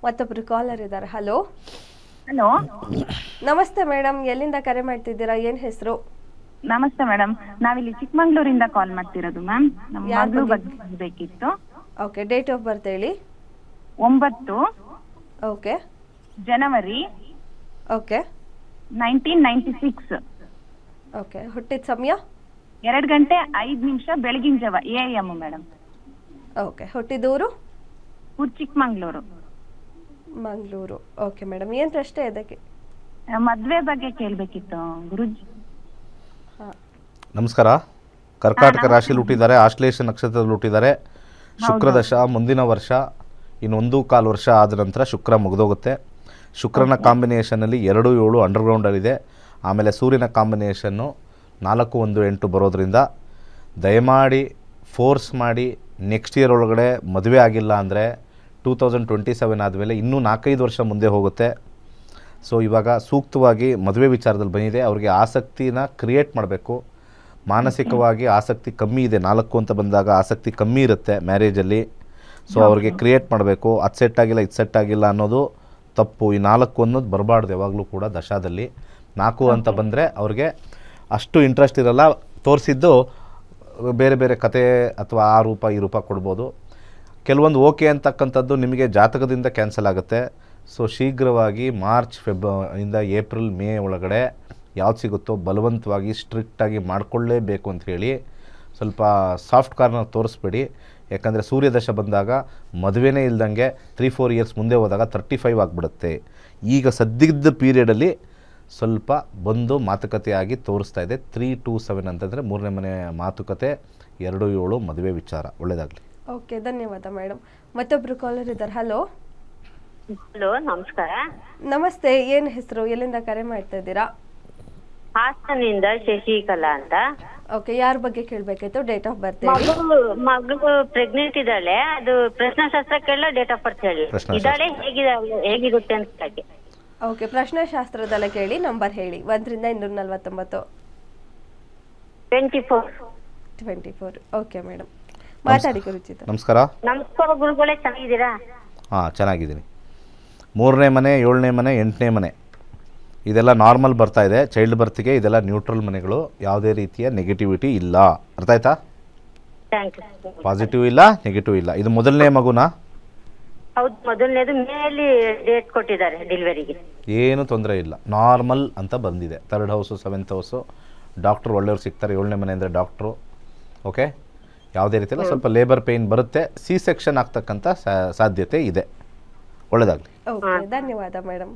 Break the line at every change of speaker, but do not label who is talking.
ಮತ್ತೊಬ್ರು ಕಾಲರ್ ಇದ್ದಾರೆ. Hello
hello,
ನಮಸ್ತೆ ಮೇಡಮ್, ಎಲ್ಲಿಂದ ಕರೆ ಮಾಡ್ತಿದ್ದೀರಾ? ಏನ್ ಹೆಸರು?
ನಮಸ್ತೆ ಮೇಡಮ್. ನಾವಿಲ್ಲಿ ಚಿಕ್ಕಮಂಗ್ಳೂರಿಂದ ಕಾಲ್ ಮಾಡ್ತಿರೋದು ಮ್ಯಾಮ್. ನಮ್ಮ
ಯಾರ್
ಮಗಳು
ಬಗ್ಗೆ?
ಬಗ್ಗೆ ಬೇಕಿತ್ತು.
ಓಕೆ, ಡೇಟ್ ಆಫ್ ಬರ್ತ್ ಹೇಳಿ.
9
ಓಕೆ
ಜನವರಿ
ಓಕೆ
1996,
ಓಕೆ. ಹುಟ್ಟಿದ ಸಮಯ?
2 ಗಂಟೆ 5 ನಿಮಿಷ ಬೆಳಗಿನ ಜಾವ AM ಮೇಡಮ್.
ಓಕೆ. ಹುಟ್ಟಿದೂರು?
ಊರು ಚಿಕ್ಕಮಂಗ್ಳೂರು.
ಮಂಗಳೂರು. ಓಕೆ ಮೇಡಮ್, ಏನು ಪ್ರಶ್ನೆ ಇದಕ್ಕೆ?
ಮದ್ವೆ ಬಗ್ಗೆ ಕೇಳ್ಬೇಕಿತ್ತು ಗುರುಜಿ.
ನಮಸ್ಕಾರ. ಕರ್ಕಾಟಕ ರಾಶಿಯಲ್ಲಿ ಹುಟ್ಟಿದ್ದಾರೆ, ಆಶ್ಲೇಷ ನಕ್ಷತ್ರದಲ್ಲಿ ಹುಟ್ಟಿದ್ದಾರೆ. ಶುಕ್ರದಶ ಮುಂದಿನ ವರ್ಷ ಇನ್ನು 1.25 ವರ್ಷ ಆದ ನಂತರ ಶುಕ್ರ ಮುಗಿದೋಗುತ್ತೆ. ಶುಕ್ರನ ಕಾಂಬಿನೇಷನಲ್ಲಿ 2, 7 ಅಂಡರ್ಗ್ರೌಂಡಲ್ಲಿದೆ. ಆಮೇಲೆ ಸೂರ್ಯನ ಕಾಂಬಿನೇಷನ್ನು 4, 1, 8 ಬರೋದ್ರಿಂದ ದಯಮಾಡಿ ಫೋರ್ಸ್ ಮಾಡಿ ನೆಕ್ಸ್ಟ್ ಇಯರ್ ಒಳಗಡೆ ಮದುವೆ ಆಗಿಲ್ಲ ಅಂದರೆ 2027 ಆದಮೇಲೆ ಇನ್ನೂ 4-5 ವರ್ಷ ಮುಂದೆ ಹೋಗುತ್ತೆ. ಸೊ ಇವಾಗ ಸೂಕ್ತವಾಗಿ ಮದುವೆ ವಿಚಾರದಲ್ಲಿ ಬಂದಿದೆ. ಅವ್ರಿಗೆ ಆಸಕ್ತಿನ ಕ್ರಿಯೇಟ್ ಮಾಡಬೇಕು. ಮಾನಸಿಕವಾಗಿ ಆಸಕ್ತಿ ಕಮ್ಮಿ ಇದೆ. 4 ಅಂತ ಬಂದಾಗ ಆಸಕ್ತಿ ಕಮ್ಮಿ ಇರುತ್ತೆ ಮ್ಯಾರೇಜಲ್ಲಿ. ಸೊ ಅವ್ರಿಗೆ ಕ್ರಿಯೇಟ್ ಮಾಡಬೇಕು. ಅದು ಸೆಟ್ ಆಗಿಲ್ಲ, ಇದು ಸೆಟ್ ಆಗಿಲ್ಲ ಅನ್ನೋದು ತಪ್ಪು. ಈ 4 ಅನ್ನೋದು ಬರಬಾರ್ದು ಯಾವಾಗಲೂ ಕೂಡ ದಶಾದಲ್ಲಿ. 4 ಅಂತ ಬಂದರೆ ಅವ್ರಿಗೆ ಅಷ್ಟು ಇಂಟ್ರೆಸ್ಟ್ ಇರಲ್ಲ. ತೋರಿಸಿದ್ದು ಬೇರೆ ಬೇರೆ ಕತೆ ಅಥವಾ ಆ ರೂಪ ಈ ರೂಪ ಕೊಡ್ಬೋದು. ಕೆಲವೊಂದು ಓಕೆ ಅಂತಕ್ಕಂಥದ್ದು ನಿಮಗೆ ಜಾತಕದಿಂದ ಕ್ಯಾನ್ಸಲ್ ಆಗುತ್ತೆ. ಸೊ ಶೀಘ್ರವಾಗಿ ಮಾರ್ಚ್ ಇಂದ ಏಪ್ರಿಲ್ ಮೇ ಒಳಗಡೆ ಯಾವ್ದು ಸಿಗುತ್ತೋ ಬಲವಂತವಾಗಿ ಸ್ಟ್ರಿಕ್ಟಾಗಿ ಮಾಡಿಕೊಳ್ಳೇಬೇಕು ಅಂತ ಹೇಳಿ ಸ್ವಲ್ಪ ಸಾಫ್ಟ್ ಕಾರ್ನರ್ ತೋರಿಸ್ಬೇಡಿ. ಯಾಕಂದರೆ ಸೂರ್ಯದಶ ಬಂದಾಗ ಮದುವೆನೇ ಇಲ್ದಂಗೆ 3-4 ಇಯರ್ಸ್ ಮುಂದೆ ಹೋದಾಗ 35 ಆಗಿಬಿಡುತ್ತೆ. ಈಗ ಸದ್ಯದ ಪೀರಿಯಡಲ್ಲಿ ಸ್ವಲ್ಪ ಬಂದು ಮಾತುಕತೆಯಾಗಿ ತೋರಿಸ್ತಾ ಇದೆ. 3-2-7 ಅಂತಂದರೆ 3ನೇ ಮನೆ ಮಾತುಕತೆ, 2-7 ಮದುವೆ ವಿಚಾರ. ಒಳ್ಳೆಯದಾಗಲಿ.
ಓಕೆ, ಧನ್ಯವಾದ ಮೇಡಮ್. ಮತ್ತೊಬ್ರು ಕಾಲರ್ ಇದ್ದಾರೆ. ಹಲೋ
ಹಲೋ, ನಮಸ್ಕಾರ.
ನಮಸ್ತೆ, ಏನು ಹೆಸರು? ಎಲ್ಲಿಂದ ಕರೆ ಮಾಡ್ತಾ ಇದ್ದೀರಾ?
ಹಾಸನಿಂದ ಶಶಿಕಲಾ ಅಂತ.
ಓಕೆ, ಯಾರ ಬಗ್ಗೆ ಕೇಳಬೇಕಿತ್ತು? ಡೇಟ್ ಆಫ್ ಬರ್ತ್ ಹೇಳಿ.
ಮಗಳು ಪ್ರೆಗ್ನೆಂಟ್ ಇದ್ದಾಳೆ. ಅದು ಪ್ರಶ್ನಾಶಾಸ್ತ್ರಕ್ಕೆಲ್ಲ ಡೇಟ್ ಆಫ್ ಬರ್ತ್ ಹೇಳಿ. ಇದ್ದಾಳೆ, ಹೇಗಿರುತ್ತೆ ಅಂತ ಕೇಳಿ.
ಓಕೆ, ಪ್ರಶ್ನೆಶಾಸ್ತ್ರದಲ್ಲ ಕೇಳಿ. ನಂಬರ್ ಹೇಳಿ. 1 ರಿಂದ 249. 24. ಓಕೆ ಮೇಡಮ್, ಮಾತಾಡಿ ಗುರುಜಿತ.
ನಮಸ್ಕಾರ.
ನಮಸ್ಕಾರ ಗುರುಗಳೇ, ಚೆನ್ನಾಗಿದ್ದೀರಾ?
ಹಾಂ, ಚೆನ್ನಾಗಿದ್ದೀನಿ. 3ನೇ ಮನೆ, 7ನೇ ಮನೆ, 8ನೇ ಮನೆ ಇದೆಲ್ಲ ನಾರ್ಮಲ್ ಬರ್ತಾ ಇದೆ. ಚೈಲ್ಡ್ ಬರ್ತ್ಗೆ ಇದೆಲ್ಲ ನ್ಯೂಟ್ರಲ್ ಮನೆಗಳು. ಯಾವುದೇ ರೀತಿಯ ನೆಗೆಟಿವಿಟಿ ಇಲ್ಲ. ಅರ್ಥ ಆಯ್ತಾ?
Thank you.
ಪಾಸಿಟಿವ್ ಇಲ್ಲ, ನೆಗೆಟಿವ್ ಇಲ್ಲ. ಇದು ಮೊದಲನೇ ಮಗುನಾ?
ಹೌದು, ಮೊದಲನೇದು ಮೇಲಿ ಡೇಟ್ ಕೊಟ್ಟಿದ್ದಾರೆ ಡೆಲಿವರಿಗೆ.
ಏನು ತೊಂದರೆ ಇಲ್ಲ, ನಾರ್ಮಲ್ ಅಂತ ಬಂದಿದೆ. 3rd house, 7th house. Doctor ಒಳ್ಳೆಯವ್ರು ಸಿಗ್ತಾರೆ. 7ನೇ ಮನೆ ಅಂದರೆ ಡಾಕ್ಟ್ರು. ಓಕೆ, ಯಾವುದೇ ರೀತಿಯಲ್ಲ. ಸ್ವಲ್ಪ ಲೇಬರ್ ಪೇಯ್ನ್ ಬರುತ್ತೆ. C ಸೆಕ್ಷನ್ ಆಗ್ತಕ್ಕಂಥ ಸಾಧ್ಯತೆ ಇದೆ. ಒಳ್ಳೆಯದಾಗಲಿ.
ಓಕೆ, ಧನ್ಯವಾದ ಮೇಡಮ್.